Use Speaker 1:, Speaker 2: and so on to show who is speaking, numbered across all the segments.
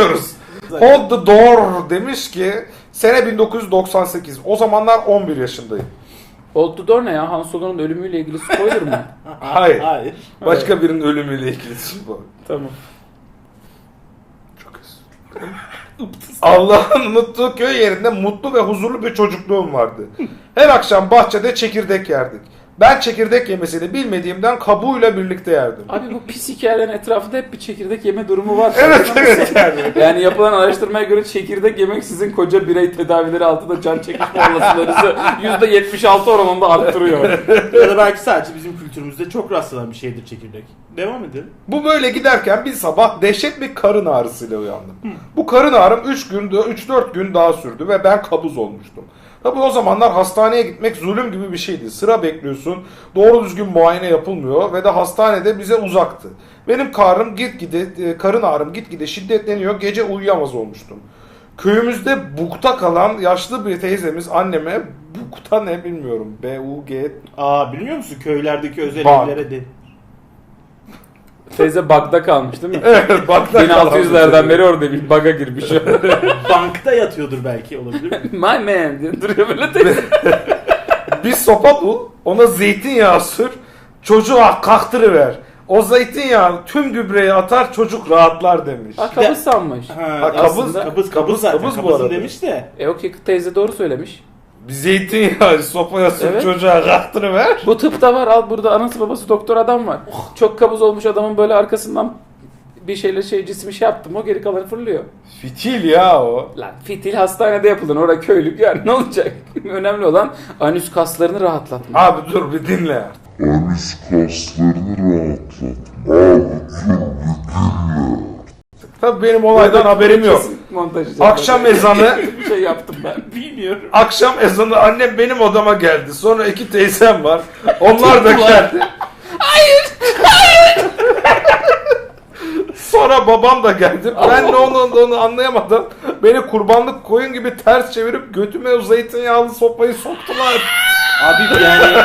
Speaker 1: dinliyoruz. Hold the door demiş ki sene 1998. O zamanlar 11 yaşındayım.
Speaker 2: Hold the door ne ya? Han Solo'nun ölümüyle ilgili spoiler mı?
Speaker 1: Hayır. Başka birinin ölümüyle ilgili bu.
Speaker 2: Tamam.
Speaker 1: Çok Allah'ın unuttuğu köy yerinde mutlu ve huzurlu bir çocukluğum vardı. Her akşam bahçede çekirdek yerdik. Ben çekirdek yemesini bilmediğimden kabuğuyla birlikte yerdim.
Speaker 2: Abi bu pis hikayelerin etrafında hep bir çekirdek yeme durumu var.
Speaker 1: Evet yani.
Speaker 2: Yani yapılan araştırmaya göre çekirdek yemek sizin koca birey tedavileri altında can çekişme olasılığınızı %76 oranında arttırıyor.
Speaker 3: Ya da belki sadece bizim kültürümüzde çok rastlanan bir şeydir çekirdek. Devam edelim.
Speaker 1: Bu böyle giderken bir sabah dehşet bir karın ağrısıyla uyandım. Bu karın ağrım 3-4 gün daha sürdü ve ben kabuz olmuştum. Tabii o zamanlar hastaneye gitmek zulüm gibi bir şeydi. Sıra bekliyorsun, doğru düzgün muayene yapılmıyor ve de hastanede bize uzaktı. Benim karın ağrım gitgide şiddetleniyor, gece uyuyamaz olmuştum. Köyümüzde bukta kalan yaşlı bir teyzemiz anneme, bukta ne bilmiyorum, B-U-G...
Speaker 3: Biliyor musun köylerdeki özel
Speaker 1: Bak.
Speaker 3: evlere de.
Speaker 2: Teyze bug'da kalmış değil mi?
Speaker 1: Evet, bakta
Speaker 2: 1600'lerden beri orada bir bug'a girmiş.
Speaker 3: Bankta yatıyordur belki, olabilir mi?
Speaker 2: My man diye duruyor böyle teyze.
Speaker 1: Bir sopa bul, ona zeytinyağı sür, çocuğa kaktırıver. O zeytinyağı tüm gübreyi atar, çocuk rahatlar demiş.
Speaker 2: Kabız sanmış.
Speaker 1: kabız
Speaker 3: zaten.
Speaker 1: kabız bu
Speaker 3: Kabızın
Speaker 1: arada.
Speaker 3: demiş de.
Speaker 2: Okey, teyze doğru söylemiş.
Speaker 1: Bir zeytinyağı sopaya sür,
Speaker 2: Evet.
Speaker 1: çocuğa kaktırıver.
Speaker 2: Bu tıpta var, al burada anası babası doktor adam var. Çok kabız olmuş adamın böyle arkasından bir şeyle cismi yaptım, o geri kalanı fırlıyor.
Speaker 1: Fitil ya o.
Speaker 2: Lan fitil hastanede yapıldın, orada köylük yani ne olacak? Önemli olan anüs kaslarını rahatlatmak.
Speaker 1: Abi dur bir dinle.
Speaker 4: Anüs kaslarını rahatlatma. Abi dur bir dinle.
Speaker 1: Tabii benim olaydan haberim yok.
Speaker 2: Kesin montaj
Speaker 1: Akşam ezanı,
Speaker 2: bir şey yaptım ben.
Speaker 3: Bilmiyorum.
Speaker 1: akşam ezanı annem benim odama geldi. Sonra iki teyzem var. Onlar da geldi. Hayır. Sonra babam da geldi. Ben ne onu anlayamadan beni kurbanlık koyun gibi ters çevirip götüme o zeytinyağlı sopayı soktular.
Speaker 3: Abi yani.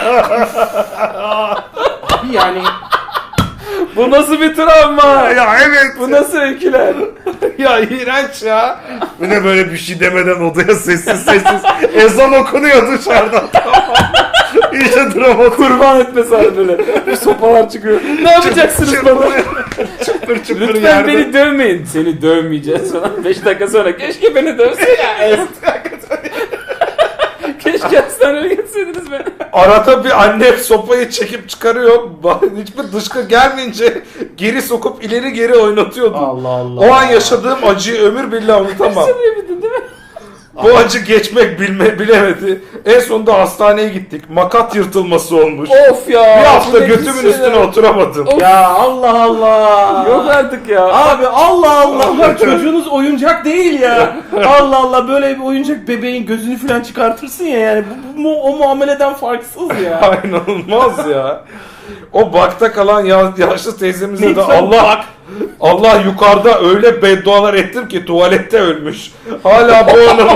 Speaker 3: Abi yani.
Speaker 2: Bu nasıl bir travma?
Speaker 1: Ya evet.
Speaker 2: Bu nasıl öyküler?
Speaker 1: Ya iğrenç ya. Bir de böyle bir şey demeden odaya sessiz ezan okunuyor dışarıdan. İyice drama
Speaker 2: Kurban etmesi abi böyle. Bir sopalar çıkıyor. Ne yapacaksınız bana?
Speaker 1: çıpır çıpır
Speaker 2: Lütfen
Speaker 1: yerde.
Speaker 2: beni dövmeyin. Seni dövmeyeceğiz falan. 5 dakika sonra keşke beni dövse ya. Keşke hastaneye gitseydiniz beni.
Speaker 1: Arada bir anne sopayı çekip çıkarıyor. Hiçbir dışkı gelmeyince geri sokup ileri geri oynatıyordu.
Speaker 3: Allah Allah.
Speaker 1: O an yaşadığım acıyı ömür billah unutamam.
Speaker 2: Söylemedin değil mi?
Speaker 1: Bu acı geçmek bilemedi. En sonunda hastaneye gittik. Makat yırtılması olmuş.
Speaker 2: Of ya.
Speaker 1: Bir hafta
Speaker 2: bu ne
Speaker 1: götümün
Speaker 2: pis
Speaker 1: üstüne
Speaker 2: şeyler.
Speaker 1: oturamadım.
Speaker 2: Of.
Speaker 3: Ya Allah Allah.
Speaker 2: Yok artık ya.
Speaker 3: Abi Allah Allah, bak çocuğunuz oyuncak değil ya. Allah Allah, böyle bir oyuncak bebeğin gözünü falan çıkartırsın ya, yani o muameleden farksız ya.
Speaker 1: Aynen olmaz ya. O bakta kalan yaşlı teyzemize de
Speaker 3: Lütfen bak.
Speaker 1: Allah yukarıda öyle beddualar ettim ki tuvalette ölmüş. Hala bu onun.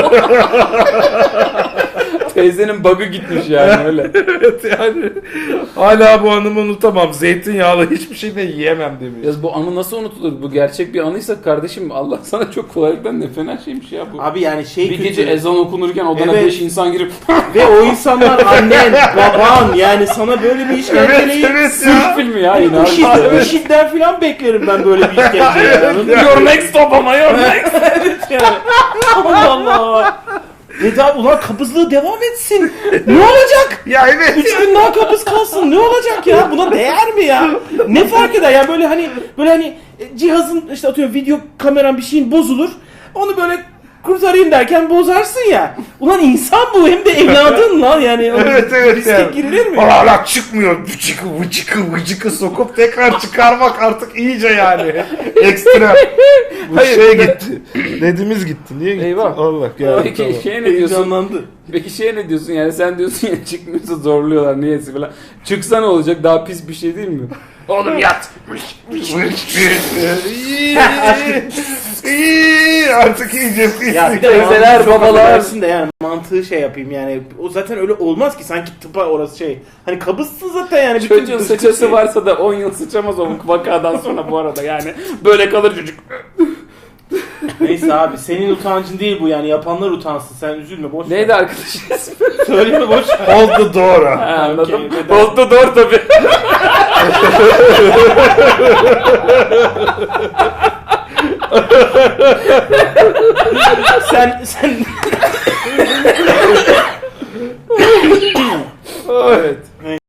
Speaker 2: Teyzenin bug'ı gitmiş yani öyle.
Speaker 1: Evet yani. Hala bu anımı unutamam. Zeytinyağlı hiçbir şey de yiyemem demiş.
Speaker 2: Ya bu anı nasıl unutulur? Bu gerçek bir anıysa kardeşim, Allah sana çok kolaylıktan ne fena şeymiş ya bu.
Speaker 3: Abi yani şey
Speaker 2: Bir
Speaker 3: kötü.
Speaker 2: gece ezan okunurken odana
Speaker 3: Evet.
Speaker 2: 5 insan girip
Speaker 3: Ve o insanlar annen, baban, yani sana böyle bir işkenceyi
Speaker 1: Evet
Speaker 2: Türk
Speaker 1: ya.
Speaker 2: filmi ya yine. abi.
Speaker 3: IŞİD'den falan beklerim ben böyle bir işkenceyi. Anladın mı?
Speaker 2: Your next Obama, your next.
Speaker 3: Evet yani. Allah Allah. Dedi abi, ulan kabızlığı devam etsin. Ne olacak?
Speaker 1: Ya evet.
Speaker 3: 3 gün daha kabız kalsın. Ne olacak ya? Buna değer mi ya? Ne fark eder? Yani böyle hani cihazın işte atıyorum video kameran bir şeyin bozulur. Onu böyle kurtarayım derken bozarsın ya. Ulan insan bu, hem de evladın lan yani.
Speaker 1: Evet
Speaker 3: Riske
Speaker 1: yani.
Speaker 3: girilir mi?
Speaker 1: Hala çıkmıyor. Vıcıkı sokup tekrar çıkarmak artık iyice yani. Ekstra. Bu
Speaker 2: Hayır,
Speaker 1: şey gitti. Dediğimiz gitti. Niye gitti?
Speaker 2: Eyvah.
Speaker 1: Allah ya.
Speaker 2: Peki
Speaker 1: Tamam.
Speaker 2: şeye ne diyorsun?
Speaker 3: Heyecanlandı.
Speaker 2: Peki şeye ne diyorsun yani, sen diyorsun ya çıkmıyorsa zorluyorlar niyeyse falan. Çıksa ne olacak, daha pis bir şey değil mi? Oğlum yat.
Speaker 1: Artık iyice pis.
Speaker 3: Ya bir de
Speaker 2: Teyzeler,
Speaker 3: mantığı çok
Speaker 2: babalar.
Speaker 3: affedersin de yani mantığı şey yapayım yani. O zaten öyle olmaz ki, sanki tıpa orası şey. Hani kabızsın zaten yani. bütün
Speaker 2: Çocuğun
Speaker 3: dışkısı-
Speaker 2: sıçrası varsa da 10 yıl sıçamaz o vakadan sonra bu arada yani. Böyle kalır çocuk.
Speaker 3: Neyse abi senin utancın değil bu yani yapanlar utansın sen üzülme boş ver.
Speaker 2: Neydi arkadaşın ismi?
Speaker 3: Söyleme boş ver.
Speaker 1: Hold the door.
Speaker 2: Ha, anladım.
Speaker 3: Okey, bedava.
Speaker 2: Oldu doğru tabii.
Speaker 3: sen
Speaker 2: Evet.